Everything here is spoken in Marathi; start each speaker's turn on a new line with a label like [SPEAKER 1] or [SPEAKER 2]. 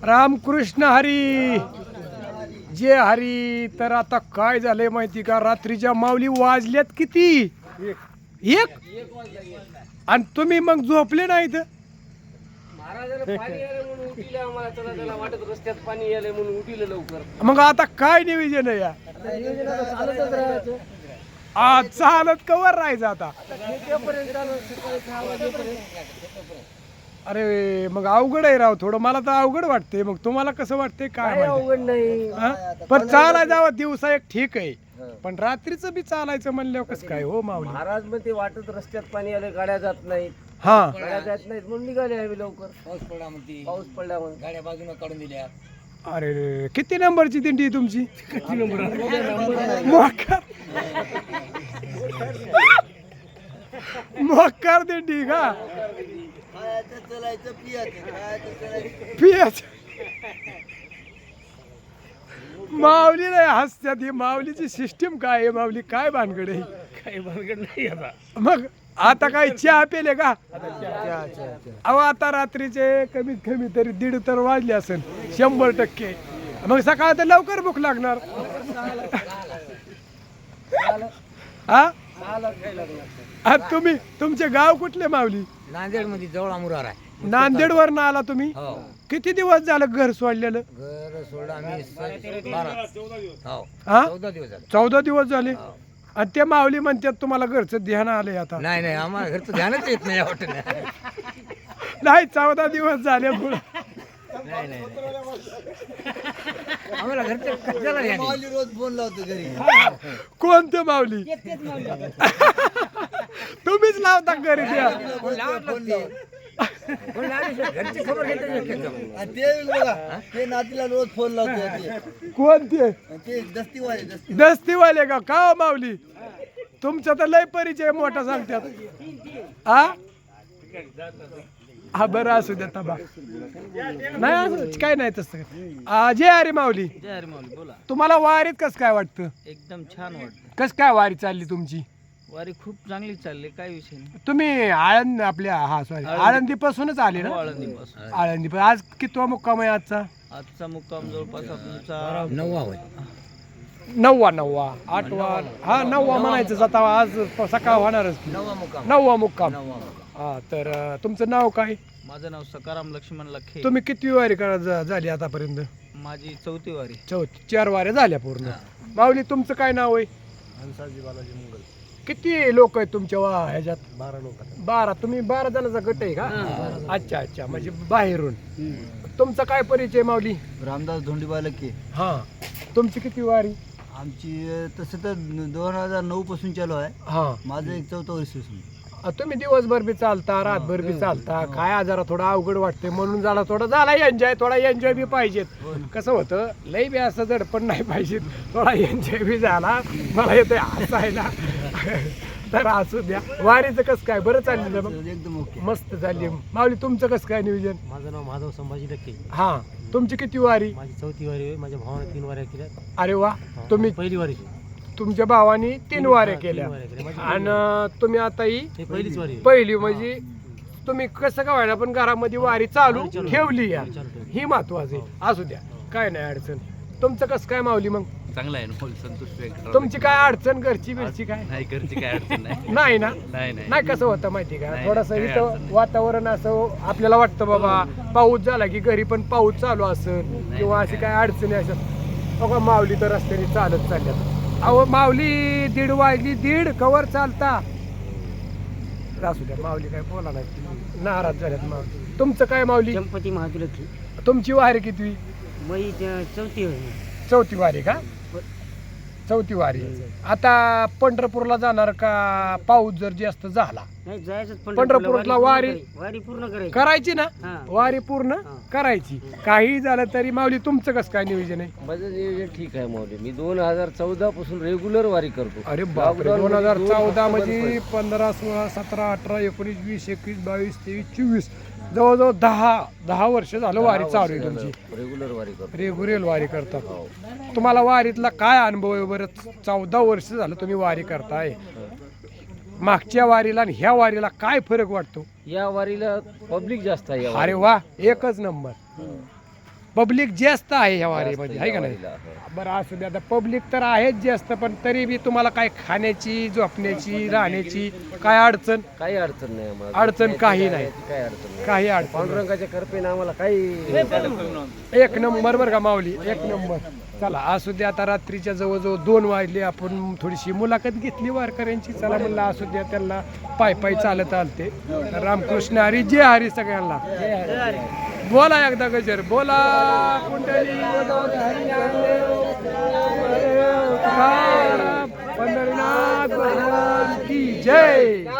[SPEAKER 1] रामकृष्ण हरी जे हरी. तर आता काय झालंय माहिती का, रात्रीच्या माऊली वाजल्यात किती, एक, आणि तुम्ही मग झोपले नाही तर मग आता काय नियोजन आहे या, आज चालत कवर राहायचं आता. अरे मग अवघड आहे राव थोडं, मला तर अवघड वाटते. मग तुम्हाला कसं वाटतंय काय
[SPEAKER 2] अवघड नाही.
[SPEAKER 1] पण चालायला जावं दिवसा एक ठीक आहे, पण रात्रीचं बी चालायचं म्हणल्यावर कसं काय हो माऊली.
[SPEAKER 2] महाराज मग ते वाटत रस्त्यात पाणी आलं, गाड्या जात नाहीत,
[SPEAKER 1] हा
[SPEAKER 2] गाड्या जात नाहीत म्हणून निघाले आम्ही लवकर. पाऊस पडला म्हणून गाड्या बाजूला काढून दिल्या.
[SPEAKER 1] अरे रे, किती नंबरची दिंडी आहे तुमची? मोकार मोकार दिंडी का? पियाच माऊली नाही हसत्यात. ही माऊलीची सिस्टीम काय आहे? माऊली काय भानगड आहे?
[SPEAKER 2] काही भानगड नाही आता.
[SPEAKER 1] मग आता काय चहा पेले का? अहो आता रात्रीचे कमीत कमी तरी 1:30 तर वाजले असेल 100%. मग सकाळ तर लवकर भूक लागणार. हा तुम्ही तुमचे गाव कुठले माऊली?
[SPEAKER 2] नांदेड मध्ये जवळ अमुरार आहे.
[SPEAKER 1] नांदेड वरनं आला तुम्ही? किती दिवस झालं घर सोडलेलं?
[SPEAKER 2] घर सोडलं आम्ही 14 दिवस झाले.
[SPEAKER 1] 14 दिवस झाले. आणि ते माऊली म्हणतात तुम्हाला घरचं ध्यान आलंय आता?
[SPEAKER 2] नाही नाही, आम्हाला घरचं ध्यानच येत नाही.
[SPEAKER 1] नाही 14 दिवस झाले पुढे.
[SPEAKER 2] नाही नाही, आम्हाला घरचं कशाला ध्यान आहे? रोज फोन लावतो घरी.
[SPEAKER 1] कोणते माऊली? तुम्हीच लावता घरी त्या?
[SPEAKER 2] घरची खबर घेते.
[SPEAKER 3] ते नातीला रोज फोन लावतो.
[SPEAKER 1] कोणते?
[SPEAKER 3] ते
[SPEAKER 1] दस्तीवाले का? का हो माऊली तुमचा तर लय परिचय मोठा सांगतात. हा बरं असू द्या तबा. नाही असं काय नाही तसं. जय हरी माऊली.
[SPEAKER 2] जय हरी माऊली. बोला.
[SPEAKER 1] तुम्हाला वारीत कसं काय वाटतं?
[SPEAKER 2] एकदम छान वाटतं.
[SPEAKER 1] कसं काय वारी चालली तुमची?
[SPEAKER 2] वारी खूप चांगली चालली, काय विषय नाही.
[SPEAKER 1] तुम्ही आळंद आपल्या आळंदी पासूनच आले ना?
[SPEAKER 2] आळंदीपासून.
[SPEAKER 1] आळंदी पण आज कितवा मुक्काम आहे आजचा?
[SPEAKER 2] आजचा मुक्काम जवळपास आमचा 9वा होय.
[SPEAKER 1] 9वा 8वा हा 9वा म्हणायचं. आता आज सकाळ होणारच. 9वा मुक्काम. हा तर तुमचं नाव काय?
[SPEAKER 2] माझं नाव सकाराम लक्ष्मण लखे.
[SPEAKER 1] तुम्ही किती वारी झाली आतापर्यंत?
[SPEAKER 2] माझी 4थी वारी.
[SPEAKER 1] 4 वाऱ्या झाल्या पूर्ण. माऊली तुमचं काय नाव आहे?
[SPEAKER 3] हंसाजी बालाजी मुंगल.
[SPEAKER 1] किती लोक आहेत तुमच्या ह्याच्यात?
[SPEAKER 3] 12 लोक.
[SPEAKER 1] 12. तुम्ही 12 जणांचा गट आहे का? अच्छा अच्छा, म्हणजे बाहेरून. तुमचा काय परिचय माऊली?
[SPEAKER 3] रामदास धोंडीबा लके.
[SPEAKER 1] हा तुमची किती वारी?
[SPEAKER 3] आमची तसं तर 2009 पासून चालू आहे.
[SPEAKER 1] हा
[SPEAKER 3] माझं एक 4थं वर्ष.
[SPEAKER 1] तुम्ही दिवसभर बी चालता, रातभर बी चालता. काय आजारा थोडा अवघड वाटते म्हणून झाला थोडा झाला एन्जॉय. थोडा एन्जॉय बी पाहिजेत. कसं होतं लई बी असं जडपण नाही पाहिजे. थोडा एन्जॉय बी झाला. मला येतोय हसायला. तर असू द्या. वारीचं कसं काय? बरं चालली मग?
[SPEAKER 3] एकदम ओके.
[SPEAKER 1] मस्त चालली. माऊली तुमचं कसं काय नियोजन?
[SPEAKER 3] माझं नाव माधव संभाजी लके.
[SPEAKER 1] हा तुमची किती वारी?
[SPEAKER 3] माझी 4थी वारी आहे. माझ्या भावाने 3 वाऱ्या केल्या.
[SPEAKER 1] अरे वा. तुम्ही
[SPEAKER 3] पहिली वारी.
[SPEAKER 1] तुमच्या भावानी 3 वाऱ्या केल्या आणि तुम्ही आता ही
[SPEAKER 3] पहिलीच वारी.
[SPEAKER 1] पहिली. म्हणजे तुम्ही कसं काय व्हायला पण घरामध्ये वारी चालू ठेवली या, ही महत्वाची. असू द्या काय नाही अडचण. तुमचं कसं काय माऊली मग?
[SPEAKER 4] चांगला आहे ना, संतुष्ट.
[SPEAKER 1] तुमची काय अडचण घरची बिरची काय?
[SPEAKER 4] नाही, घरची काय अडचण नाही.
[SPEAKER 1] नाही ना?
[SPEAKER 4] नाही नाही
[SPEAKER 1] नाही कसं होतं माहिती का,
[SPEAKER 4] नाही,
[SPEAKER 1] थोडस
[SPEAKER 4] काही
[SPEAKER 1] इथं
[SPEAKER 4] अडचण
[SPEAKER 1] वातावरण असं आपल्याला वाटतं बाबा पाऊस झाला की घरी पण पाऊस चालू असेल किंवा अशी काय अडचणी असत. बघा माऊली तर रस्त्याने चालत चालल्यात. अहो माऊली 1:30 वाजली. 1:30 कवर चालता. असू द्या माऊली काय बोला नाही, नाराज झाल्यात माऊली. तुमचं काय माऊली?
[SPEAKER 2] गणपती महादुलकी.
[SPEAKER 1] तुमची वारी किती?
[SPEAKER 2] मई 4थी होय.
[SPEAKER 1] 4थी वारी का? 4थी वारी. आता पंढरपूरला जाणार का? पाऊस जर जास्त झाला
[SPEAKER 2] नाही जायचं
[SPEAKER 1] पंढरपूरला वारी
[SPEAKER 2] पूर्ण करायची.
[SPEAKER 1] करायची ना?
[SPEAKER 2] हा.
[SPEAKER 1] वारी पूर्ण करायची. काही झालं तरी माऊली तुमचं कसं काय नियोजन आहे?
[SPEAKER 2] माझं नियोजन ठीक आहे माऊली. मी 2014 पासून रेग्युलर वारी करतो.
[SPEAKER 1] अरे बापरे. 2014 म्हणजे 15, 16, 17, 18, 19, 20, 21, 22, 23, 24 जवळजवळ 10 वर्ष झालं वारी चालू आहे तुमची.
[SPEAKER 2] रेग्युलर वारी करतो.
[SPEAKER 1] रेग्युलर वारी करतात. तुम्हाला वारीतला काय अनुभव आहे बरं? 14 वर्ष झालं तुम्ही वारी करताय. मागच्या वारीला आणि ह्या वारीला काय फरक वाटतो?
[SPEAKER 2] या वारीला पब्लिक जास्त आहे.
[SPEAKER 1] अरे वा, एकच नंबर. पब्लिक जास्त आहे ह्या वारीमध्ये आहे का नाही बरं असू दे आता पब्लिक तर आहेच जास्त पण तरी बी तुम्हाला काय खाण्याची झोपण्याची राहण्याची काय अडचण
[SPEAKER 2] काही अडचण नाही आम्हाला
[SPEAKER 1] अडचण काही नाही
[SPEAKER 2] काही अडचण नाही
[SPEAKER 1] काही अडचण
[SPEAKER 2] पांडुरंगाच्या कृपेने आम्हाला काही
[SPEAKER 1] एक नंबर बरं का माऊली एक नंबर चला असू दे आता रात्रीच्या जवळजवळ 2 वाजले आपण थोडीशी मुलाखत घेतली वारकऱ्यांची चला म्हणलं असू द्या त्यांना पाय पाय चालत आलते रामकृष्ण हरी जय हरी सगळ्यांना बोला एकदा गजर बोला कुंडली पंढरीनाथ भगवान की जय